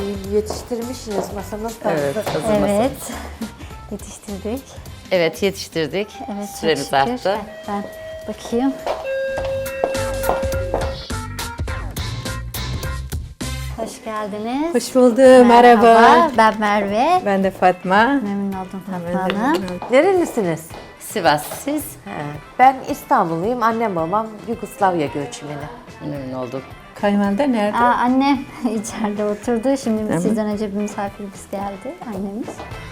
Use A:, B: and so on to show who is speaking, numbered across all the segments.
A: Yetiştirmişsiniz masamız da.
B: Evet, hazır masa.
C: Evet. Yetiştirdik.
B: Evet, yetiştirdik.
C: Evet,
B: Süremiz
C: çok şükür.
B: arttı.
C: Ben bakayım. Hoş geldiniz.
D: Hoş bulduk, merhaba.
C: Ben Merve.
D: Ben de Fatma.
C: Memnun oldum Fatma Hanım.
A: Nerelisiniz?
B: Sivas, siz?
A: Ben İstanbulluyum. Annem babam Yugoslavya göçmeni.
B: Memnun olduk.
D: Kayınvalide nerede?
C: Annem içeride oturdu. Şimdi sizden önce bir misafirimiz geldi. Annemiz.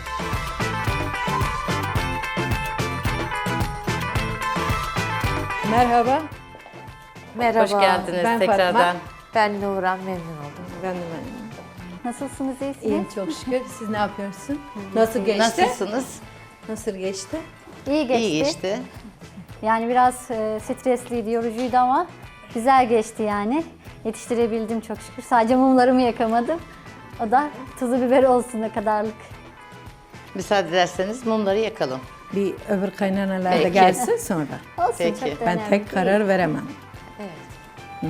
D: Merhaba.
A: Merhaba.
B: Hoş geldiniz
D: Ben
B: tekrardan.
D: Fatma.
A: Ben Nuran, memnun oldum.
D: Ben de memnunum.
C: Nasılsınız, iyisiniz?
D: İyiyim çok şükür. Siz ne yapıyorsun? Nasıl geçti?
B: Nasılsınız?
D: Nasıl geçti?
C: İyi geçti.
B: İyi geçti.
C: Yani biraz stresliydi, yorucuydu ama güzel geçti yani. Yetiştirebildim çok şükür. Sadece mumlarımı yakamadım. O da tuzu biber olsun ne kadarlık.
B: Müsaade ederseniz mumları yakalım.
D: Bir öbür kaynanalar da
B: Peki.
D: gelsin sonra.
C: Olsun,
B: Peki.
C: çok da
D: Ben
C: önemli
D: tek
C: değil.
D: karar veremem.
A: Evet.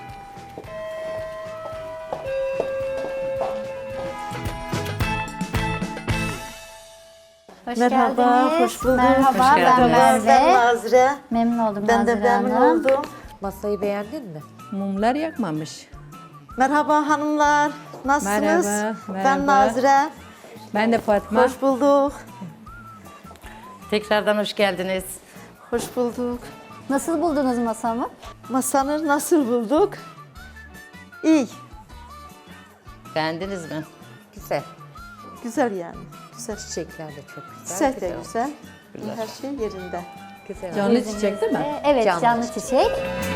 C: Hoş
E: Merhaba,
C: geldiniz.
E: hoş bulduk.
C: Merhaba,
B: Hoş
C: ben
B: geldiniz.
E: Ben
C: Merve.
E: Nazire.
C: Memnun oldum
E: Ben de
C: Nazire
E: memnun
C: Hanım.
E: oldum.
A: Masayı beğendin mi?
D: Mumlar yakmamış.
E: Merhaba hanımlar. Nasılsınız?
D: Merhaba,
E: Ben
D: merhaba.
E: Nazire.
D: Ben de Fatma.
E: Hoş bulduk.
B: Tekrardan hoş geldiniz.
E: Hoş bulduk.
C: Nasıl buldunuz masamı?
E: Masanı nasıl bulduk? İyi.
B: Beğendiniz mi?
A: Güzel.
E: Güzel yani. Güzel.
A: Çiçekler de çok güzel.
E: Çiçek de güzel. Her şey yerinde.
A: Güzel.
D: Canlı çiçek değil mi?
C: Evet,
A: Canlı
C: canlı çiçek.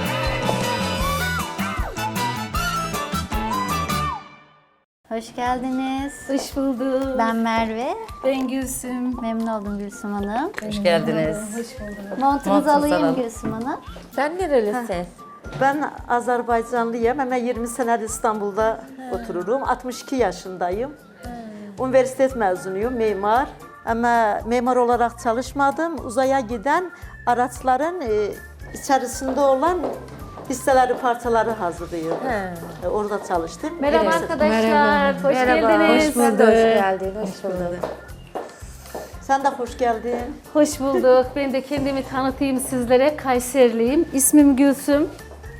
C: Hoş geldiniz.
F: Hoş bulduk.
C: Ben Merve.
F: Ben Gülsüm.
C: Memnun oldum Gülsüm Hanım.
B: Hoş geldiniz.
C: Montunuzu
B: Montunuzu
C: alayım
B: alalım.
C: Gülsüm Hanım.
A: Sen nerelisin?
E: Ben Azerbaycanlıyım ama 20 senedir İstanbul'da otururum. 62 yaşındayım. Üniversite mezunuyum, mimar. Ama mimar olarak çalışmadım. Uzaya giden araçların içerisinde olan hisseleri, parçaları hazırlıyorum. Orada çalıştım.
F: Merhaba
E: Evet.
F: arkadaşlar. Hoş
A: Merhaba.
F: geldiniz.
A: Hoş bulduk. Hoş geldin. Hoş bulduk.
E: Sen de hoş geldin.
F: Hoş bulduk. Ben de kendimi tanıtayım sizlere. Kayserliyim. İsmim Gülsüm.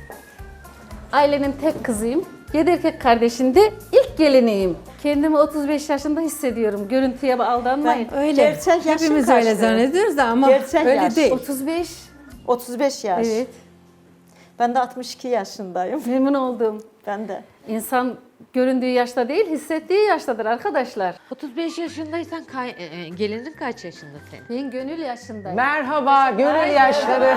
F: Ailenin tek kızıyım. 7 erkek kardeşinde ilk geliniyim. Kendimi 35 yaşında hissediyorum. Görüntüye aldanmayın.
D: Öyle.
E: Gerçek yaşın
D: Hepimiz öyle
E: kaçtı?
D: zannediyoruz da ama
E: Gerçek
D: öyle
E: yaş.
D: değil.
F: 35.
E: 35 yaş.
F: Evet.
E: Ben de 62 yaşındayım.
F: Memnun oldum.
E: Ben de.
F: İnsan göründüğü yaşta değil, hissettiği yaştadır arkadaşlar.
A: 35 yaşındaysan gelinin kaç yaşında senin?
F: Ben gönül yaşındayım.
G: Merhaba, gönül yaşları.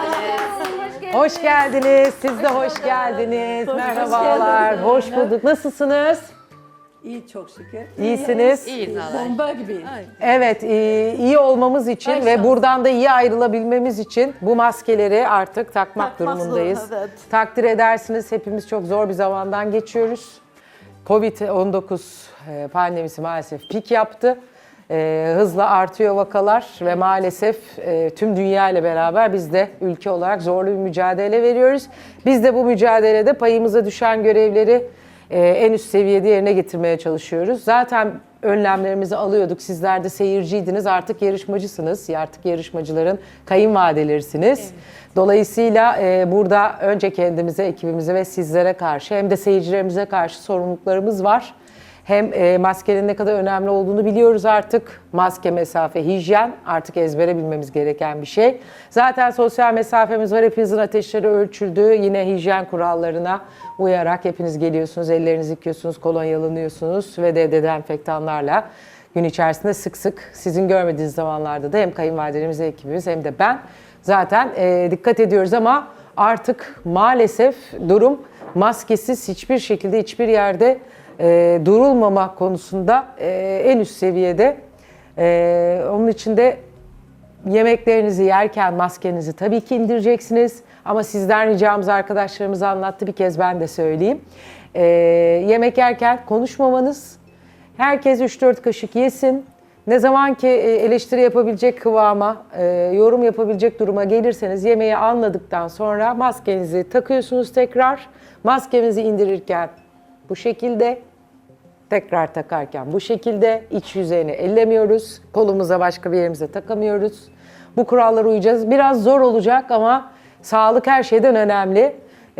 G: Hoş geldiniz, siz de hoş geldiniz. Merhabalar, hoş bulduk. Nasılsınız?
D: İyi çok şükür.
G: İyisiniz.
A: İyiyiz Allah.
D: Bomba gibi.
G: Evet, iyi olmamız için ve buradan da iyi ayrılabilmemiz için bu maskeleri artık takmak
E: Takmak
G: durumundayız.
E: zorunda, evet.
G: Takdir edersiniz, hepimiz çok zor bir zamandan geçiyoruz. Covid-19 pandemisi maalesef pik yaptı. Hızla artıyor vakalar ve maalesef tüm dünya ile beraber biz de ülke olarak zorlu bir mücadele veriyoruz. Biz de bu mücadelede payımıza düşen görevleri en üst seviyede yerine getirmeye çalışıyoruz. Zaten önlemlerimizi alıyorduk. Sizler de seyirciydiniz. Artık yarışmacısınız. Artık yarışmacıların kayınvalidelerisiniz. Dolayısıyla burada önce kendimize, ekibimize ve sizlere karşı hem de seyircilerimize karşı sorumluluklarımız var. Hem maskenin ne kadar önemli olduğunu biliyoruz artık. Maske, mesafe, hijyen artık ezbere bilmemiz gereken bir şey. Zaten sosyal mesafemiz var. Hepinizin ateşleri ölçüldü. Yine hijyen kurallarına uyarak hepiniz geliyorsunuz, ellerinizi yıkıyorsunuz, kolonyalanıyorsunuz ve de dezenfektanlarla gün içerisinde sık sık sizin görmediğiniz zamanlarda da hem kayınvalidelerimiz, ekibimiz hem de ben zaten dikkat ediyoruz ama artık maalesef durum maskesiz hiçbir şekilde hiçbir yerde durulmama konusunda en üst seviyede. Onun için de yemeklerinizi yerken maskenizi tabii ki indireceksiniz. Ama sizden ricamız, arkadaşlarımız anlattı, bir kez ben de söyleyeyim. Yemek yerken konuşmamanız, herkes 3-4 kaşık yesin. Ne zaman ki eleştiri yapabilecek kıvama, yorum yapabilecek duruma gelirseniz yemeği anladıktan sonra maskenizi takıyorsunuz tekrar. Maskenizi indirirken bu şekilde tekrar takarken bu şekilde iç yüzeyini ellemiyoruz. Kolumuza başka bir yerimize takamıyoruz. Bu kurallara uyacağız. Biraz zor olacak ama sağlık her şeyden önemli.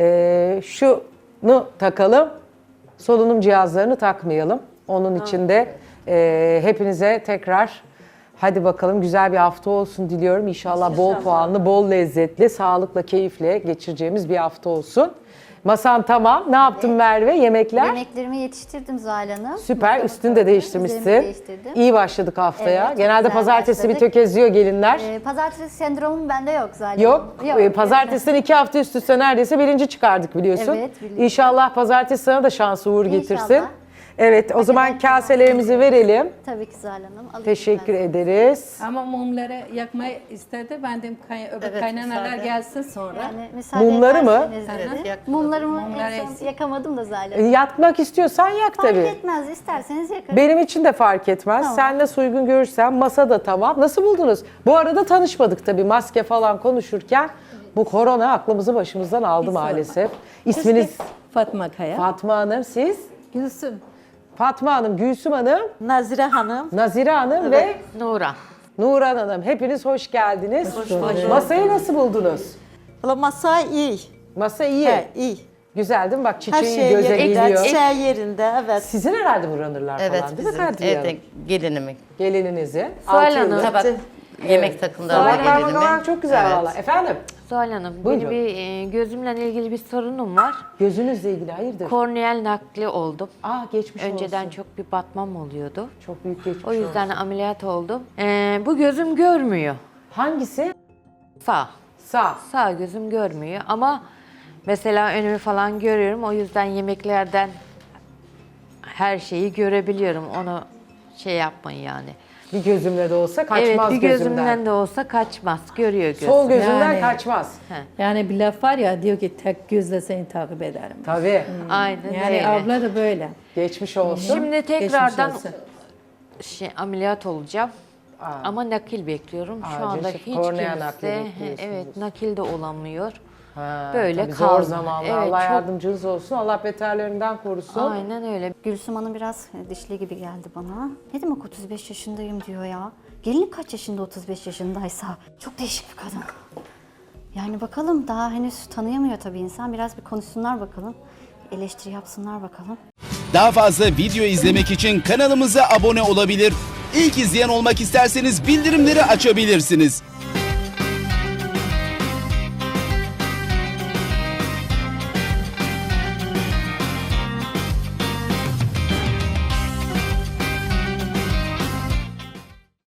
G: Şunu takalım. Solunum cihazlarını takmayalım. Onun için de hepinize tekrar hadi bakalım güzel bir hafta olsun diliyorum. İnşallah bol puanlı, bol lezzetli, sağlıkla, keyifle geçireceğimiz bir hafta olsun. Masan tamam. Ne yaptın Merve? Yemekler?
C: Yemeklerimi yetiştirdim Zuhal Hanım.
G: Süper.
C: Mutfağı
G: Üstünü de
C: koydum,
G: değiştirmişsin.
C: üzerimi değiştirdim.
G: İyi başladık haftaya.
C: Evet, çok
G: Genelde
C: güzel
G: pazartesi bir
C: başladık.
G: tökeziyor gelinler.
C: Pazartesi sendromum bende yok Zuhal Hanım.
G: Yok. Pazartesiden 2 hafta üst üste neredeyse birinci çıkardık biliyorsun.
C: Evet, biliyorum.
G: İnşallah pazartesi sana da şansı uğur getirsin.
C: İnşallah.
G: Evet, o zaman
C: ederim.
G: kaselerimizi verelim.
C: Tabii ki Zuhal Hanım. Alayım
G: Teşekkür
C: ben.
G: ederiz.
D: Ama mumları yakmayı istedi. Ben de öbür
B: Evet,
D: kaynanalar
B: müsaade.
D: gelsin sonra.
C: Yani müsaade
G: Mumları mı?
C: ederseniz
B: Evet,
C: dedi.
B: yakmadım.
C: Mumlarımı
D: Mumları
C: en son
D: eksik.
C: yakamadım da Zuhal Hanım.
G: Yakmak istiyorsan yak
C: Fark
G: tabii.
C: etmez, isterseniz yakarım.
G: Benim için de fark etmez.
C: Tamam.
G: Sen nasıl uygun görürsen masa da tamam. Nasıl buldunuz? Bu arada tanışmadık tabii maske falan konuşurken. Bu korona aklımızı başımızdan aldı maalesef. İsminiz
D: Fatma Kaya.
G: Fatma Hanım, siz?
D: Gülsüm.
G: Fatma Hanım, Gülsüm Hanım,
E: Nazire Hanım.
G: Nazire Hanım ve
A: Nura.
G: Nurhan Hanım. Hepiniz hoş geldiniz. Masayı nasıl buldunuz?
E: Valla masa iyi.
G: Masa iyi.
E: He, iyi.
G: Güzel değil mi? Bak
E: Her
G: çiçeği
E: şey
G: göze
E: yerinde,
G: geliyor.
E: çiçeği yerinde, evet.
G: Sizin herhalde bu runner'lar
B: Evet,
G: falan değil mi
B: bizim
G: Kadriye
B: evde
G: Hanım?
B: gelinimi.
G: Gelininizin.
A: Suhal
G: altı
A: Hanım.
G: yıllık.
B: Tabak, yemek takımları
G: Tabaklar
B: gelinimi.
G: makalar çok güzel
B: Evet.
G: valla. Efendim?
A: Zuhal Hanım,
G: Buyurun.
A: benim bir gözümle ilgili bir sorunum var.
G: Gözünüzle ilgili hayırdır?
A: Korneal nakli oldum.
G: Geçmiş
A: Önceden
G: olsun.
A: çok bir batmam oluyordu.
G: Çok büyük geçmiş
A: O yüzden
G: olsun.
A: ameliyat oldum. Bu gözüm görmüyor.
G: Hangisi?
A: Sağ.
G: Sağ.
A: Sağ gözüm görmüyor ama mesela önümü falan görüyorum. O yüzden yemeklerden her şeyi görebiliyorum. Onu şey yapmayın yani.
G: Bir gözümle de olsa kaçmaz
A: Evet, bir
G: gözümden.
A: gözümden de olsa kaçmaz. Görüyor gözüm.
G: Sol gözümden
D: Yani.
G: kaçmaz.
D: Yani bir laf var ya diyor ki tek gözle seni takip ederim.
G: Tabii.
A: Aynen
D: Yani
A: öyle.
D: abla da böyle.
G: Geçmiş olsun.
A: Şimdi tekrardan
D: Geçmiş olsun.
A: ameliyat olacağım. Ama nakil bekliyorum. Şu
G: Acil
A: anda
G: şif-
A: hiç
G: kornea nakli
A: kimse
G: bekliyorsunuz.
A: evet nakil de olamıyor.
G: Ha,
A: Böyle
G: tabii zor
A: kaldı.
G: zamanlar.
A: Evet,
G: Allah
A: çok-
G: yardımcınız olsun. Allah beterlerinden korusun.
A: Aynen öyle.
C: Gülsüm Hanım biraz dişli gibi geldi bana. Ne demek 35 yaşındayım diyor ya. Gelin kaç yaşında 35 yaşındaysa. Çok değişik bir kadın. Yani bakalım daha henüz tanıyamıyor tabii insan. Biraz bir konuşsunlar bakalım. Eleştiri yapsınlar bakalım.
H: Daha fazla video izlemek için kanalımıza abone olabilir. İlk izleyen olmak isterseniz bildirimleri açabilirsiniz.